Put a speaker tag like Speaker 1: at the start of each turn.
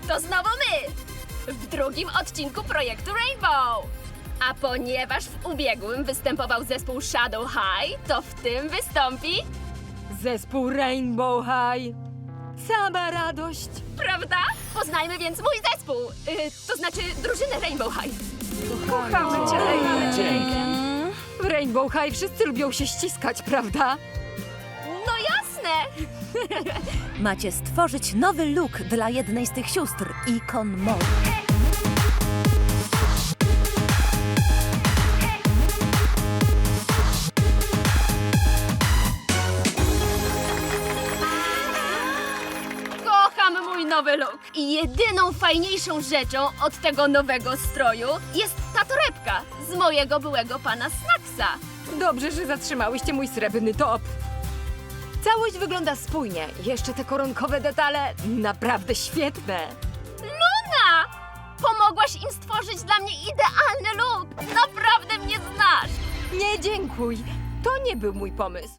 Speaker 1: To znowu my! W drugim odcinku projektu Rainbow! A ponieważ w ubiegłym występował zespół Shadow High, to w tym wystąpi...
Speaker 2: Zespół Rainbow High. Sama radość.
Speaker 1: Prawda? Poznajmy więc mój zespół! To znaczy drużynę Rainbow High.
Speaker 2: Kochamy cię,
Speaker 3: Dzięki.
Speaker 2: W Rainbow High wszyscy lubią się ściskać, prawda?
Speaker 1: No jasne!
Speaker 4: Macie stworzyć nowy look dla jednej z tych sióstr, ikon mody.
Speaker 1: Kocham mój nowy look. I jedyną fajniejszą rzeczą od tego nowego stroju jest ta torebka z mojego byłego pana Snacksa.
Speaker 2: Dobrze, że zatrzymałyście mój srebrny top. Całość wygląda spójnie. Jeszcze te koronkowe detale naprawdę świetne.
Speaker 1: Luna! Pomogłaś im stworzyć dla mnie idealny look. Naprawdę mnie znasz.
Speaker 2: Nie dziękuj. To nie był mój pomysł.